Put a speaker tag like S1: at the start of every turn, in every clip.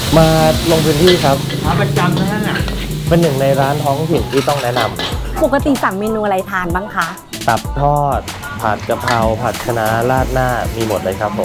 S1: มาลงพื้นที่ครับ
S2: ร้านประจำทั้งนั้นอ่ะ
S1: เป็นหนึ่งในร้านท้องถิ่นที่ต้องแนะน
S3: ปกติสั่งเมนูอะไรทานบ้างคะ
S1: ำตับทอด ผัดกะเพราผัดคะน้าราดหน้ามีหมดเลยครับผม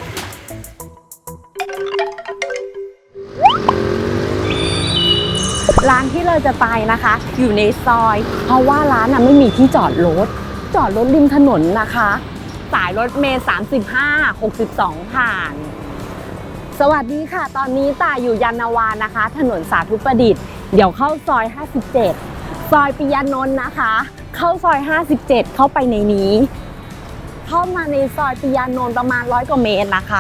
S3: ร้านที่เราจะไปนะคะ อยู่ในซอย เพราะว่าร้านไม่มีที่จอดรถริมถนนนะคะ สายรถเมล์35 62ผ่าน สวัสดีค่ะ ตอนนี้ต่ายอยู่ยานนาวานะคะ ถนนสาธุประดิษฐ์เดี๋ยวเข้าซอย57ซอยปิยานนท์นะคะ เข้าซอย57เข้าไปในนี้เข้ามาในซอยปิยานนท์ประมาณ100 กว่าเมตรนะคะ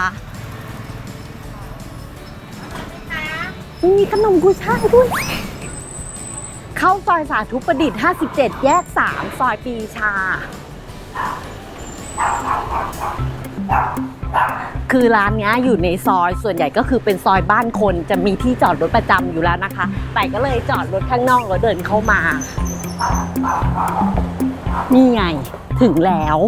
S3: มีขนมกุยช่ายด้วยเข้าซอยสาธุประดิษฐ์57แยก3ซอยปีชาคือร้านนี้อยู่ในซอยส่วนใหญ่ก็คือเป็นซอยบ้านคนจะมีที่จอดรถประจำอยู่แล้วนะคะแต่ก็เลยจอดรถข้างนอกแล้วเดินเข้ามานี่ไงถึงแล้ว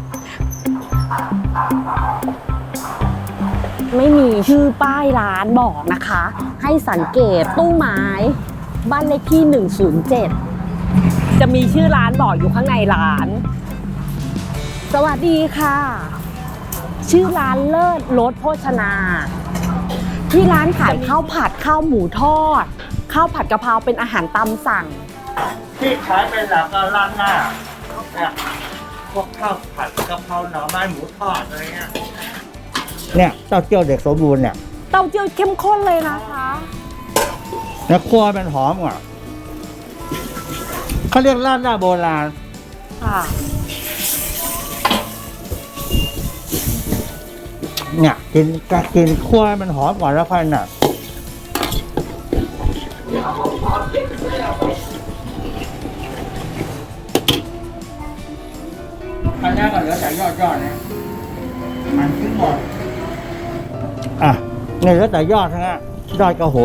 S3: ไม่มีชื่อป้ายร้านบอกนะคะให้สังเกตตู้ไม้บ้านเลขที่107จะมีชื่อร้านบอกอยู่ข้างในร้านสวัสดีค่ะชื่อร้านเลิศรสโภชนาที่ร้านขายข้าวผัดข้าวหมูทอดข้าวผัดกะเพราเป็นอาหารตามสั่ง
S2: ที่ขายเป็นหลักก็ร้านหน้าเนี่ยพวกข้าวผัดกะเพราหน่อไม้หมูทอดอะไรเงี้ยเนี่ยเต้าเจี้ยวเด็กสมบูรณ์เนี่ย
S3: เต้าเจี้ยวเข้มข้นเลยนะคะ
S2: แล้วคั่วเป็นหอมอ่ะเขาเรียกร้านหน้าโบราณ
S3: ค่ะ
S2: เนี่ยกินคั่วมันหอมก่อนแล้วค่อยน่ะอันนี้ก็เหลือแต่ยอดเนี่ยมันขึ้นหมดอ่ะเนี่ยเหลือแต่ยอดทั้งนั้นยอดกับหัว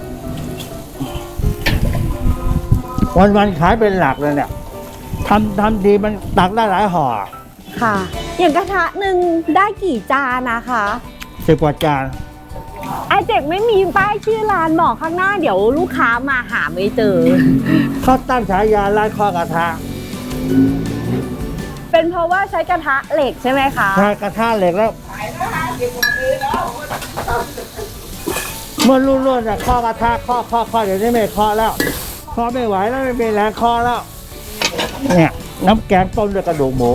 S2: วันขายเป็นหลักเลยเนี่ยทำดีมันตักได้หลายห่อ
S3: ค่ะอย่างกระทะหนึ่งได้กี่จานนะคะ
S2: 10 กว่าจาน
S3: ไอเจ็กไม่มีป้ายชื่อร้านบอกข้างหน้าเดี๋ยวลูกค้ามาหาไม่เจอ
S2: เขาตั้งฉายาร้านข้อกระทะ
S3: เป็นเพราะว่าใช้กระทะเหล็กใช่ไหมคะ
S2: ใช่กระทะเหล็กแล้วเมื่อรุ่นๆเนี่ยข้อกระทะข้อเดี๋ยวนี้ไม่ข้อแล้วข้อไม่ไหวแล้วไม่มีแรงข้อแล้วเนี่ยน้ำแกงต้มด้วยกระดูกหมู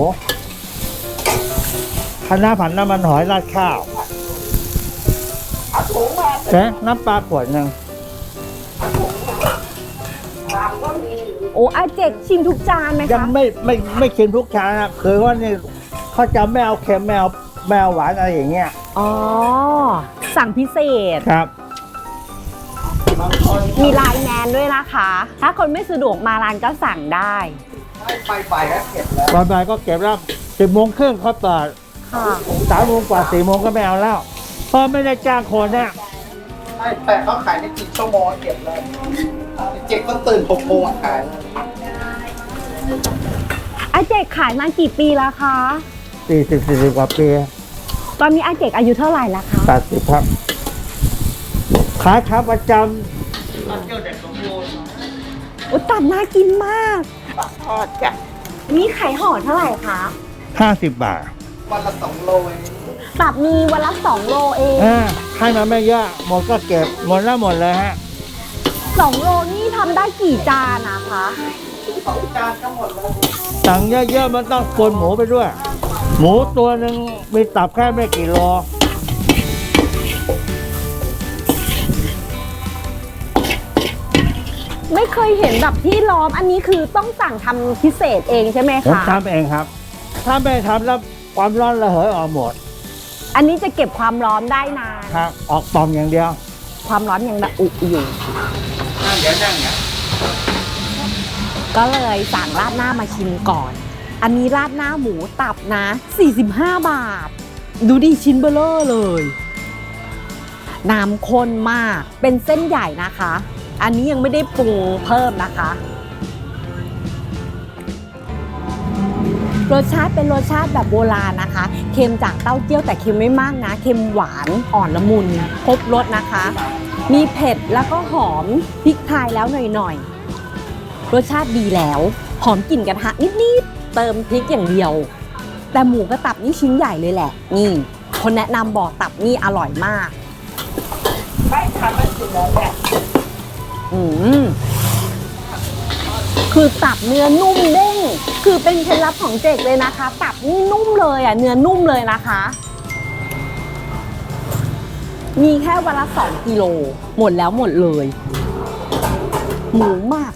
S2: คะน้าผัดน้ำมันหอยราดข้าวน้ำปลาขวดนึง
S3: โอ้อาเจกชิมทุกจานไหมคะ
S2: ยังไม่ชิมทุกจานนะคือว่านี่เขาจะไม่เอาเค็มไม่เอาหวานอะไรอย่างเงี้ย
S3: อ๋อสั่งพิเศษ
S2: ครับ
S3: มีไลน์แมนด้วยนะคะถ้าคนไม่สะดวกมาร้านก็สั่งได้
S2: ไปก็เก็บแล้วไปก็เก็บแล้ว10 โมงครึ่งเขาเปิด3 โมงกว่า4 โมงก็ไม่เอาแล้วเพราะไม่ได้จ้างคนเนี่ย
S4: แต่เขาขายในกี่ชั่วโมงเก็บเลยเจ๊ก็ตื่น6 โมงขาย
S3: อาเจกขายมากี่ปีแล้วคะ
S2: 40 กว่าปี
S3: ตอนนี้อาเจกอายุเท่าไหร่แล้วคะ
S2: 80ครับขายขาประจำเที่ยวเด็กสมบูรณ์
S3: ตับน่ากินมาก
S4: ทอดจ้ะ
S3: นี่ขายห่อเท่าไหร่คะ
S2: 50 บาท
S4: วันละ2 โล
S3: ตับมีวันละ2 โลเอง
S2: ให้มาไม่เยอะหมดก็เก็บหมดแล้วหมดเลยฮะ
S3: 2 โลนี่ทำได้กี่จานนะคะ
S4: 2 จานก็หมดแล้ว
S2: สั่งเยอะๆมันต้องคนหมูไปด้วยหมูตัวหนึ่งมีตับแค่ไม่กี่โล
S3: ไม่เคยเห็นแบบที่ล้อมอันนี้คือต้องสั่งทำพิเศษเองใช่ไหมคะ
S2: ผมทำเองครับถ้าไม่ทำแล้วความร้อนระเหยออกหมด
S3: อันนี้จะเก็บความร้อนได้นาน
S2: ครับออกปองอย่างเดียว
S3: ความร้อนยังระอุอยู่
S2: นั่งเดี๋ยวนั่งเนี่ย
S3: ก็เลยสั่งราดหน้ามาชิมก่อนอันนี้ราดหน้าหมูตับนะ45 บาทดูดิชิ้นเบลอเลยน้ำข้นมากเป็นเส้นใหญ่นะคะอันนี้ยังไม่ได้ปรุงเพิ่มนะคะรสชาติเป็นรสชาติแบบโบราณนะคะเค็มจากเต้าเจี้ยวแต่เค็มไม่มากนะเค็มหวานอ่อนละมุนครบรสนะคะมีเผ็ดแล้วก็หอมพริกไทยแล้วหน่อยๆรสชาติดีแล้วหอมกลิ่นกระทะนิดๆเติมพริกอย่างเดียวแต่หมูกระตับนี่ชิ้นใหญ่เลยแหละนี่คนแนะนำบอกตับนี่อร่อยมากคือตับเนื้อนุ่มเด้งคือเป็นเคล็ดลับของเจกเลยนะคะตับนี่นุ่มเลยอ่ะเนื้อนุ่มเลยนะคะมีแค่วันละ2 กิโลหมดแล้วหมดเลยหมูมาก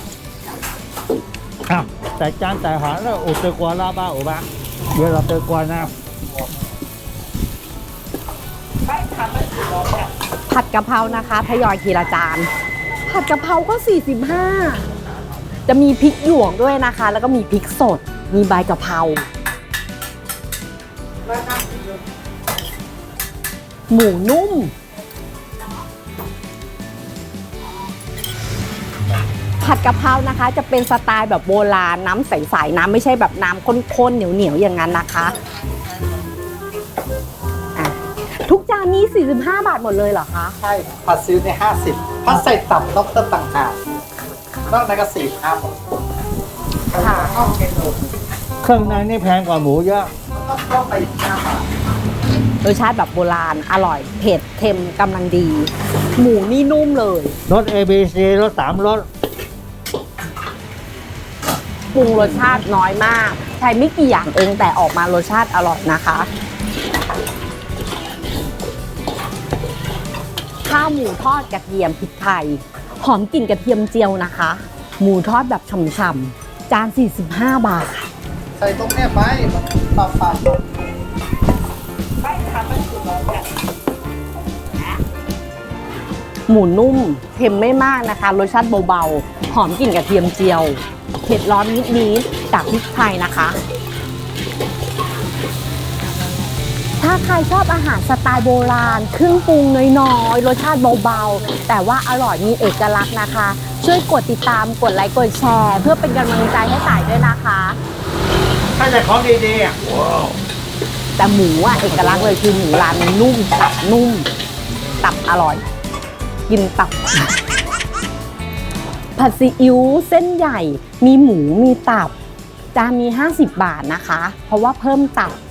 S2: อ้าวแต่จานแต่หาแล้วอุตกวาลาบ้าอุบะเดี๋ยวเราเตกวานะ
S3: ผัดกะเพรานะคะทยอยทีละจานผัดกะเพราก็45จะมีพริกหยวกด้วยนะคะ แล้วก็มีพริกสดมีใบกะเพราหมูนุ่มผัดกะเพรานะคะจะเป็นสไตล์แบบโบราณน้ำใสๆน้ำไม่ใช่แบบน้ำข้นๆเหนียวๆอย่างนั้นนะคะทุกจานนี้45 บาทหมดเลยเหรอคะ
S4: ใช่ผัดซีอิ๊วใน50ถ้าใส่ตับต้องเติมต่างหากนอกนั้นก็45หมดค่ะข้าวเค็ม
S2: เครื่องในนี่แพงกว่าหมูเยอะ
S4: ต้องไป5 บาท
S3: รสชาติแบบโบราณอร่อยเผ็ดเค็มกำลังดี หมูนี่นุ่มเลย
S2: รส ABC รส3รส
S3: ปรุงรสชาติน้อยมากใช้ไม่กี่อย่างเองแต่ออกมารสชาติอร่อยนะคะข้าวหมูทอดกระเทียมพริกไทยหอมกลิ่นกระเทียมเจียวนะคะหมูทอดแบบฉ่ำๆจาน45 บาท
S4: ใส่ตรงเนี้ยไปมันปรับ
S3: หมูนุ่มเค็มไม่มากนะคะรสชาติเบาๆหอมกลิ่นกระเทียมเจียวเผ็ดร้อนนิดๆจากพริกไทยนะคะถ้าใครชอบอาหารสไตล์โบราณเครื่องปรุงน้อยๆรสชาติเบาๆแต่ว่าอร่อยมีเอกลักษณ์นะคะช่วยกดติดตามกดไลค์กดแชร์เพื่อเป็นกำลังใจให้ต่ายด้วยนะคะ
S2: ถ้าแต่ของดีๆอ่ะ
S3: แต่หมูอ่ะเอกลักษณ์เลยคือหมูร้านนุ่มตับนุ่มตับอร่อยกินตับผัดซีอิ๊วเส้นใหญ่มีหมูมีตับจานมี50 บาทนะคะเพราะว่าเพิ่มตับ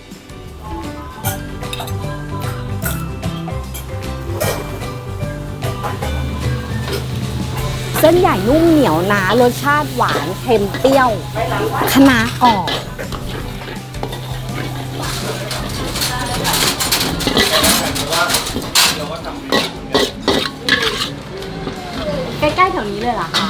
S3: เส้นใหญ่นุ่มเหนียวนะรสชาติหวานเค็มเปรี้ยวคะน้ากรอบใกล้ๆแถวนี้เลยเหรอคะ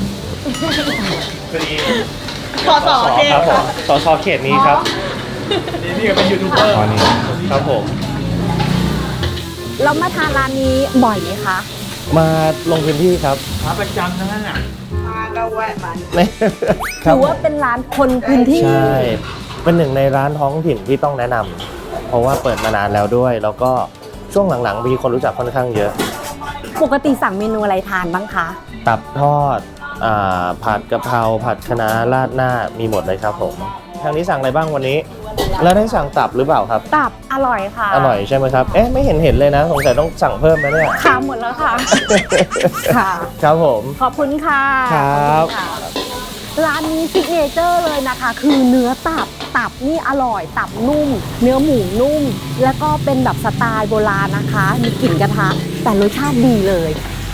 S1: สสเขตครับสสเขตนี้ครับนี่ก็เป็นยูทูบเบอร์นี่ครับผม
S3: เรามาทานร้านนี้บ่อยไหมคะ
S1: มาลงพื้นที่ครับ
S2: หาประจำทั้งนั้นอ่ะ
S4: มาก็แวะมา
S3: ถือว่าเป็นร้านคนพื้นที่
S1: ใช่เป็นหนึ่งในร้านท้องถิ่นที่ต้องแนะนำเพราะว่าเปิดมานานแล้วด้วยแล้วก็ช่วงหลังๆมีคนรู้จักค่อนข้างเยอะ
S3: ปกติสั่งเมนูอะไรทานบ้างคะ
S1: ตับทอดผัดกะเพราผัดคะน้าราดหน้ามีหมดเลยครับผมทางนี้สั่งอะไรบ้างวันนี้แล้วได้สั่งตับหรือเปล่าครับ
S3: ตับอร่อยค่ะ
S1: อร่อยใช่ไหมครับเอ๊ะไม่เห็นเลยนะสงสัยต้องสั่งเพิ่มไหมเนี่ย
S3: ค่ะหมดแล้วค่ะค่ะ
S1: ครับผม
S3: ขอบคุณค่ะ
S1: ครับ
S3: ร้านนี้ซิกเนเจอร์เลยนะคะคือเนื้อตับนี่อร่อยตับนุ่มเนื้อหมูนุ่มแล้วก็เป็นแบบสไตล์โบราณนะคะมีกลิ่นกระทะแต่รสชาติดีเลย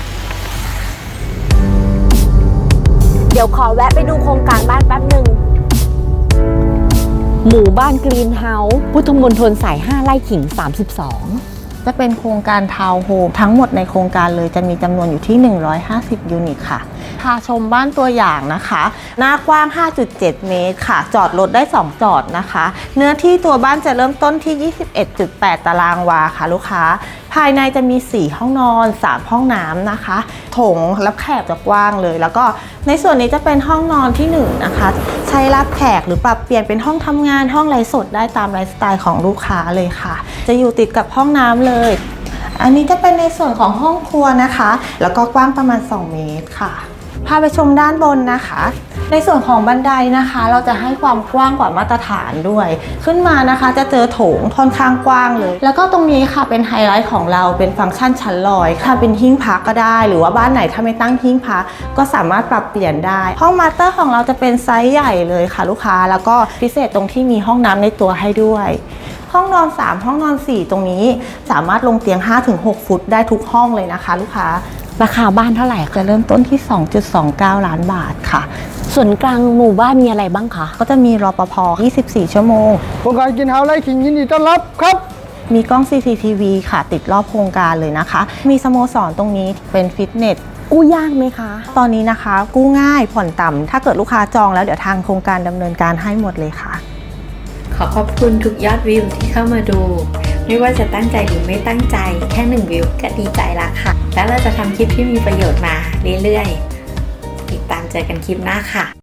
S3: เดี๋ยวขอแวะไปดูโครงการบ้านแป๊บหนึ่งหมู่บ้านกรีนเฮาส์พุทธมณฑลสาย5ไร่ขิง32
S5: จะเป็นโครงการทาวน์โฮมทั้งหมดในโครงการเลยจะมีจำนวนอยู่ที่150ยูนิตค่ะพาชมบ้านตัวอย่างนะคะหน้ากว้าง 5.7 เมตรค่ะจอดรถได้2จอดนะคะเนื้อที่ตัวบ้านจะเริ่มต้นที่ 21.8 ตารางวาค่ะลูกค้าภายในจะมี4ห้องนอน3ห้องน้ำนะคะโถงรับแขกจะกว้างเลยแล้วก็ในส่วนนี้จะเป็นห้องนอนที่1นะคะใช้รับแขกหรือปรับเปลี่ยนเป็นห้องทำงานห้องไลฟ์สดได้ตามไลฟ์สไตล์ของลูกค้าเลยค่ะจะอยู่ติดกับห้องน้ำเลยอันนี้จะเป็นในส่วนของห้องครัวนะคะแล้วก็กว้างประมาณ2 เมตรค่ะภพาไปชมด้านบนนะคะ ในส่วนของบันไดนะคะ เราจะให้ความกว้างกว่ามาตรฐานด้วย ขึ้นมานะคะจะเจอโถงค่อนข้างกว้างเลย แล้วก็ตรงนี้ค่ะเป็นไฮไลท์ของเราเป็นฟังก์ชันชั้นลอยค่ะเป็นหิ้งพระก็ได้ หรือว่าบ้านไหนถ้าไม่ตั้งหิ้งพระก็สามารถปรับเปลี่ยนได้ ห้องมาสเตอร์ของเราจะเป็นไซส์ใหญ่เลยค่ะลูกค้าแล้วก็พิเศษตรงที่มีห้องน้ำในตัวให้ด้วยห้องนอน3ห้องนอน4ตรงนี้สามารถลงเตียง 5-6 ฟุตได้ทุกห้องเลยนะคะลูกค้า
S3: ราคาบ้านเท่าไหร่
S5: จะเริ่มต้นที่ 2.29 ล้านบาทค่ะ
S3: ส่วนกลางหมู่บ้านมีอะไรบ้างคะ
S5: ก็จะมีรปภ 24 ชั่วโมง
S4: โครงการกินเฮาไร่ขิงยินดีต้อนรับครับ
S5: มีกล้อง CCTV ค่ะ ติดรอบโครงการเลยนะคะ มีสโมสรตรงนี้เป็นฟิตเนส
S3: กู้ยากไหมคะ
S5: ตอนนี้นะคะกู้ง่ายผ่อนต่ำถ้าเกิดลูกค้าจองแล้วเดี๋ยวทางโครงการดำเนินการให้หมดเลยค่ะ
S6: ขอขอบคุณทุกยอดวิวที่เข้ามาดู ไม่ว่าจะตั้งใจหรือไม่ตั้งใจแค่1วิวก็ดีใจละค่ะ แล้วเราจะทำคลิปที่มีประโยชน์มาเรื่อยๆติดตามเจอกันคลิปหน้าค่ะ